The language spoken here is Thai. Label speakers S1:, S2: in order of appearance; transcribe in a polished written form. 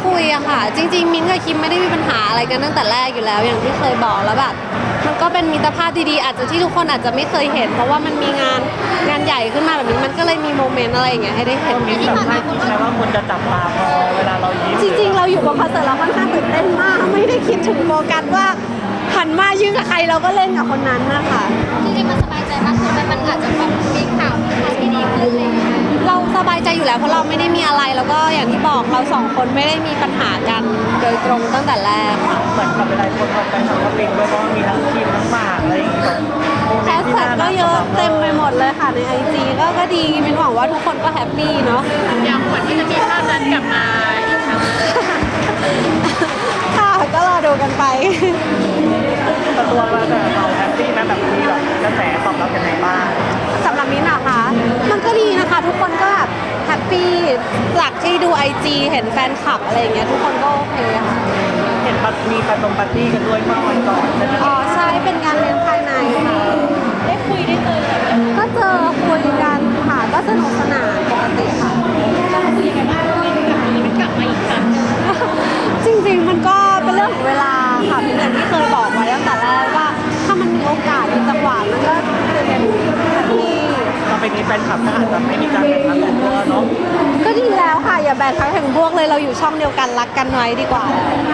S1: คุยอะค่ะจริงๆมิ้นท์กับคิมไม่ได้มีปัญหาอะไรกันตั้งแต่แรกอยู่แล้วอย่างที่เคยบอกแล้วแบบมันก็เป็นมิตรภาพดีๆอาจจะที่ทุกคนอาจจะไม่เคยเห็นเพราะว่ามันมีงานใหญ่ขึ้นมาแบบนี้มันก็เลยมีโมเมนต์อะไรอย่างเงี้ยให้ได้เห็น
S2: มีแบบให้คิดไหมว่าคนจะจับตามองเวลาเรายิ้ม
S1: จริงๆเราอยู่บนคอนเสิร์ตเราค่อนข้างตื่นเต้นมากไม่ได้คิดถึงโฟกัสว่าหันมายืนกับใครเราก็เล่นกับคนนั้นนะคะ
S3: จริงๆมันสบายใจมากขึ้นไหมมันอาจจะแบบมีข่าวมีทางที่ดีขึ้นอะไรอย่างเลย
S1: เราสบายใจอยู่แล้วเพราะเราไม่ได้มีอะไรแล้วก็อย่างที่บอกเราสองคนไม่ได้มีปัญหากันโดยตรงตั้งแต่แรกค่ะ
S2: เหมือนกับเวลาคนทำไปทำก็ปิงด้วยเพราะว่ามีทั้งคิมทั้งหมากอะไรอย่างเงี้ยแบบโมเม
S1: แฮ
S2: น
S1: ช
S2: ต์ที่
S1: แท็ก
S2: น่า
S1: ก็
S2: รัก
S1: เยอะเต็มไปหมดเลยค่ะในไอจีก็ดีมินหวังว่าทุกคนก็แฮปปี้เนาะ
S3: อย่างขวัญที่จะมีภาพนั้นกลับมาอีกครั้ง
S1: ค่ะก็รอดูกันไป
S2: แต่ตัวเราแฮปปี้ไหมแบบมีแบบกระแสตอบรับยังไงบ้าง
S1: สำหรับมิ้นท์อะคะมันก็ดีนะคะ ทุกคนก็แบบแฮปปี้จากที่ดูไอจีเห็นแฟนคลับอะไรอย่างเงี้ยทุกคนก็โอเคค่ะ
S2: เห็นมีปาร์ตี้กันด้วยเมื่อวันก่อนใช่ไหม
S1: อ๋อใช่เป็นงานเลี้ยงภายในค่ะ
S3: ได้คุยได้เจอกัน
S1: ก็เจอคุยกันค่ะก็สนุกสนานปกติค่ะ
S3: เราคุยกันว่ามันกลับมาอีกครั้ง
S1: จริงๆมันก็เป็นเรื่องของเวลาค่ะพี่อย่างที่เคยบอกไว้ตั้งแต่แรกว่าถ้ามันมีโอกาสมีจังหวะมันก็คือเป็นแบบที่
S2: ต่อไปนี้แฟนคลับก็อาจจะไม่มีการแข่งขันตัวเนาะ
S1: ก็ดีแล้วค่ะอย่าแบ่งทั้งแห่งพวกเลยเราอยู่ช่องเดียวกันรักกันไว้ดีกว่า